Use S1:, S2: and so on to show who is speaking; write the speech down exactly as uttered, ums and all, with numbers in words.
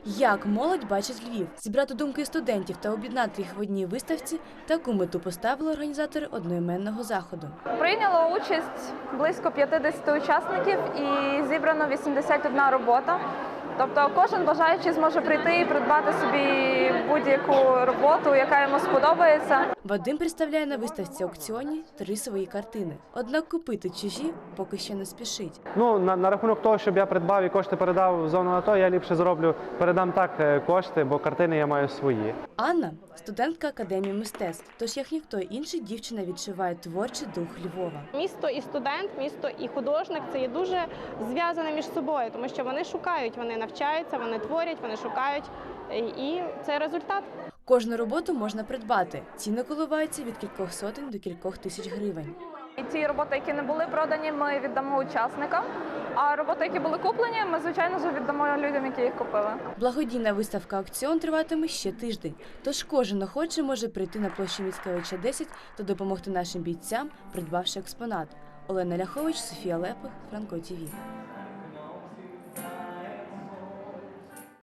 S1: Як молодь бачить Львів? Зібрати думки студентів та об'єднати їх в одній виставці – таку мету поставили організатори одноіменного заходу.
S2: Прийняло участь близько п'ятдесят учасників і зібрано вісімдесят одна робота. Тобто кожен бажаючий зможе прийти і придбати собі будь-яку роботу, яка йому сподобається.
S1: Вадим представляє на виставці аукціоні три свої картини. Однак купити чужі поки що не спішить.
S3: Ну, на, на рахунок того, щоб я придбав і кошти передав в зону АТО, я ліпше зроблю, передам так е, кошти, бо картини я маю свої.
S1: Анна – студентка Академії мистецтв, тож як ніхто інший дівчина відчуває творчий дух Львова.
S4: Місто і студент, місто і художник – це є дуже зв'язане між собою, тому що вони шукають, вони навчаються, вони творять, вони шукають, і це результат.
S1: Кожну роботу можна придбати. Ціни коливаються від кількох сотень до кількох тисяч гривень.
S2: І ті роботи, які не були продані, ми віддамо учасникам. А роботи, які були куплені, ми, звичайно ж, віддамо людям, які їх купили.
S1: Благодійна виставка «Аукціон» триватиме ще тиждень, тож кожен охочий може прийти на площу Міцкевича, десять та допомогти нашим бійцям, придбавши експонат. Олена Ляхович, Софія Лепих, Франко ТІВІ.